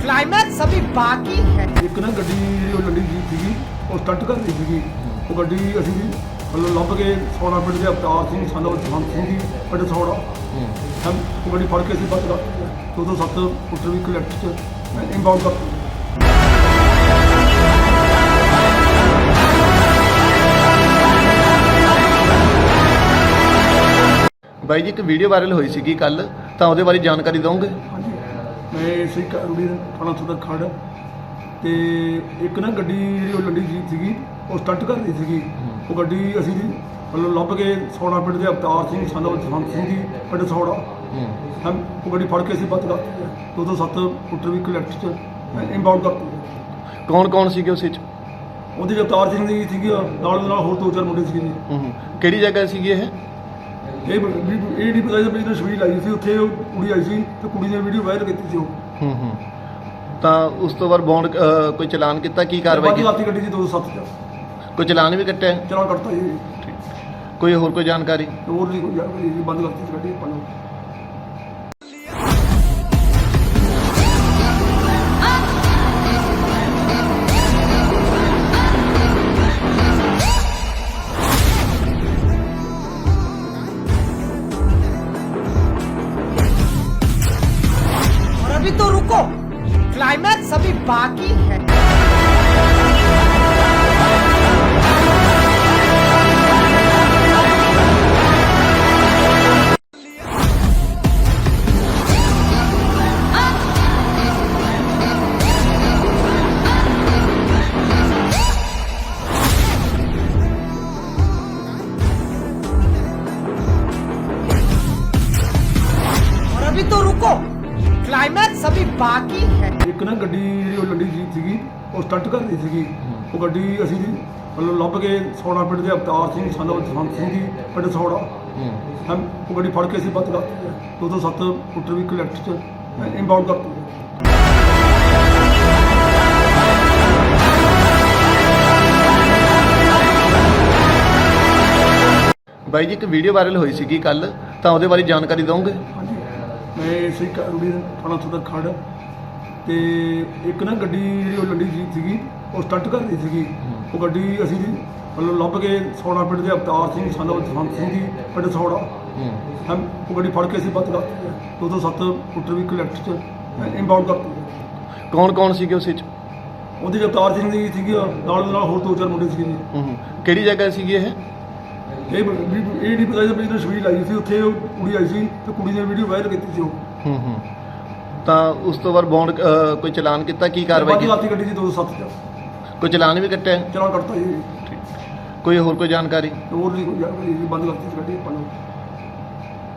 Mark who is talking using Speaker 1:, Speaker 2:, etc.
Speaker 1: Climax अभी बाकी है।
Speaker 2: ਇੱਕ ਨਾ ਗੱਡੀ ਜਿਹੜੀ ਉਹ ਲੰਡੀ ਜੀ ਸੀਗੀ ਉਹ ਸਟੰਟ ਕਰ ਰਹੀ ਸੀਗੀ। ਉਹ ਗੱਡੀ ਅਸੀਂ ਵੀ ਮਤਲਬ ਲੱਭ ਕੇ ਸੌੜਾ ਪਿੰਡ ਦੇ ਅਵਤਾਰ ਸਿੰਘ ਸਾਨੂੰ ਜਹੰਤ ਸਿੰਘ ਜੀ ਪਿੰਡ ਸੌੜਾ ਹਮ ਉਹ ਗੱਡੀ ਫੜ ਕੇ ਅਸੀਂ ਬੱਸ ਦਾ 207 ਫੁੱਟਰ ਵੀ ਕਲੈਕਟ ਚ ਇੰਬਾਊਂਡ ਕਰ
Speaker 3: ਬਾਈ ਜੀ ਇੱਕ ਵੀਡੀਓ ਵਾਇਰਲ ਹੋਈ ਸੀਗੀ ਕੱਲ ਤਾਂ ਉਹਦੇ ਬਾਰੇ ਜਾਣਕਾਰੀ ਦਿਓਗੇ?
Speaker 2: ਹਾਂਜੀ ਮੈਂ ਇਸੇ ਰੂੜੀ ਥਾਣਾ ਸਦਰ ਖੜ ਤੇ ਇੱਕ ਨਾ ਗੱਡੀ ਜਿਹੜੀ ਉਹ ਲੰਡੀ ਜੀ ਸੀਗੀ ਉਹ ਸਟੰਟ ਕਰ ਰਹੀ ਸੀਗੀ। ਉਹ ਗੱਡੀ ਅਸੀਂ ਵੀ ਮਤਲਬ ਲੱਭ ਕੇ ਸੌੜਾ ਪਿੰਡ ਦੇ ਅਵਤਾਰ ਸਿੰਘ ਸਾਨੂੰ ਜਹੰਤ ਸਿੰਘ ਜੀ ਪਿੰਡ ਸੌੜਾ ਹਮ ਉਹ ਗੱਡੀ ਫੜ ਕੇ ਅਸੀਂ ਬੱਸ ਦਾ 207 ਫੁੱਟਰ ਵੀ ਕਲੈਕਟ ਚ ਇੰਬਾਊਂਡ ਕਰ
Speaker 3: ਕੌਣ ਕੌਣ ਸੀਗੇ ਉਸ ਵਿੱਚ?
Speaker 2: ਉਹਦੇ 'ਚ ਅਵਤਾਰ ਸਿੰਘ ਜੀ ਸੀਗੇ ਨਾਲ ਉਹਦੇ ਨਾਲ ਹੋਰ ਦੋ ਚਾਰ ਮੁੰਡੇ ਸੀਗੇ ਜੀ।
Speaker 3: ਕਿਹੜੀ ਜਗ੍ਹਾ ਸੀਗੀ ਇਹ?
Speaker 2: ਇਹ ਨਹੀਂ ਪਤਾ ਸੀ ਬਿਜ਼ਨਸ ਵੀਡੀਓ ਲਾਈ ਸੀ ਉੱਥੇ ਉਹ ਕੁੜੀ ਆਈ ਸੀ ਤੇ ਕੁੜੀ ਨੇ ਵੀਡੀਓ ਵਾਇਰਲ ਕੀਤੀ ਸੀ ਉਹ
Speaker 3: ਤਾਂ ਉਸ ਤੋਂ ਬਾਅਦ ਬੌਂਡ ਕੋਈ ਚਲਾਨ ਕੀਤਾ? ਕੀ ਕਾਰਵਾਈ
Speaker 2: ਬਾਕੀ
Speaker 3: ਕੀਤੀ?
Speaker 2: ਰਾਤੀ ਗੱਡੀ ਜੀ 207 ਚ
Speaker 3: ਕੋਈ ਚਲਾਨ ਵੀ ਕੱਟਿਆ?
Speaker 2: ਚਲਾਨ ਕੱਟਤਾ ਜੀ।
Speaker 3: ਕੋਈ ਹੋਰ ਕੋਈ ਜਾਣਕਾਰੀ?
Speaker 2: ਹੋਰ ਨਹੀਂ ਕੋਈ ਜਾਣਕਾਰੀ ਜੀ, ਬੰਦ ਕਰਤੀ ਸੀ ਗੱਡੀ ਆਪਾਂ ਨੂੰ।
Speaker 1: और अभी तो रुको, क्लाइमैक्स अभी बाकी है। और अभी तो रुको, क्लाइमैक्स अभी बाकी है।
Speaker 2: ਇੱਕ ਨਾ ਗੱਡੀ ਜਿਹੜੀ ਉਹ ਲੰਡੀ ਜੀ ਸੀਗੀ ਉਹ ਸਟੰਟ ਕਰ ਰਹੀ ਸੀਗੀ। ਉਹ ਗੱਡੀ ਅਸੀਂ ਵੀ ਮਤਲਬ ਲੱਭ ਕੇ ਸੌੜਾ ਪਿੰਡ ਦੇ ਅਵਤਾਰ ਸਿੰਘ ਸਾਨੂੰ ਜਹੰਤ ਸਿੰਘ ਜੀ ਪਿੰਡ ਸੌੜਾ ਹਮ ਉਹ ਗੱਡੀ ਫੜ ਕੇ ਅਸੀਂ ਬੱਸ ਦਾ 207 ਫੁੱਟਰ ਵੀ ਕਲੈਕਟ ਚ ਇੰਬਾਊਂਡ ਕਰ
Speaker 3: ਬਾਈ ਜੀ ਇੱਕ ਵੀਡੀਓ ਵਾਇਰਲ ਹੋਈ ਸੀਗੀ ਕੱਲ ਤਾਂ ਉਹਦੇ ਬਾਰੇ ਜਾਣਕਾਰੀ ਦਿਓਗੇ?
Speaker 2: ਹਾਂਜੀ ਮੈਂ ਇਸੇ ਰੂੜੀ ਥਾਣਾ ਸਦਰ ਖੜ ਤੇ ਇੱਕ ਨਾ ਗੱਡੀ ਜਿਹੜੀ ਉਹ ਲੰਡੀ ਜੀ ਸੀਗੀ ਉਹ ਸਟੰਟ ਕਰ ਰਹੀ ਸੀਗੀ। ਉਹ ਗੱਡੀ ਅਸੀਂ ਵੀ ਮਤਲਬ ਲੱਭ ਕੇ ਸੌੜਾ ਪਿੰਡ ਦੇ ਅਵਤਾਰ ਸਿੰਘ ਸਾਨੂੰ ਜਹੰਤ ਸਿੰਘ ਜੀ ਪਿੰਡ ਸੌੜਾ ਹਮ ਉਹ ਗੱਡੀ ਫੜ ਕੇ ਅਸੀਂ ਬੱਸ ਦਾ 207 ਫੁੱਟਰ ਵੀ ਕਲੈਕਟ ਚ ਇੰਬਾਊਂਡ ਕਰ
Speaker 3: ਕੌਣ ਕੌਣ ਸੀਗੇ ਉਸ ਵਿੱਚ?
Speaker 2: ਉਹਦੇ 'ਚ ਅਵਤਾਰ ਸਿੰਘ ਜੀ ਸੀਗੇ ਨਾਲ ਉਹਦੇ ਨਾਲ ਹੋਰ ਦੋ ਚਾਰ ਮੁੰਡੇ ਸੀਗੇ ਜੀ।
Speaker 3: ਕਿਹੜੀ ਜਗ੍ਹਾ ਸੀਗੀ ਇਹ?
Speaker 2: ਇਹ ਨਹੀਂ ਪਤਾ ਸੀ ਬਿਜ਼ਨਸ ਵੀਡੀਓ ਲਾਈ ਸੀ ਉੱਥੇ ਉਹ ਕੁੜੀ ਆਈ ਸੀ ਤੇ ਕੁੜੀ ਨੇ ਵੀਡੀਓ ਵਾਇਰਲ ਕੀਤੀ ਸੀ ਉਹ
Speaker 3: ਤਾਂ ਉਸ ਤੋਂ ਬਾਅਦ ਬੌਂਡ ਕੋਈ ਚਲਾਨ ਕੀਤਾ? ਕੀ ਕਾਰਵਾਈ
Speaker 2: ਬਾਕੀ
Speaker 3: ਕੀਤੀ?
Speaker 2: ਰਾਤੀ ਗੱਡੀ ਜੀ 207 ਚ
Speaker 3: ਕੋਈ ਚਲਾਨ ਵੀ ਕੱਟਿਆ?
Speaker 2: ਚਲਾਨ ਕੱਟਤਾ ਜੀ।
Speaker 3: ਕੋਈ ਹੋਰ ਕੋਈ ਜਾਣਕਾਰੀ?
Speaker 2: ਹੋਰ ਨਹੀਂ ਕੋਈ ਜਾਣਕਾਰੀ ਜੀ, ਬੰਦ ਕਰਤੀ ਸੀ ਗੱਡੀ ਆਪਾਂ ਨੂੰ।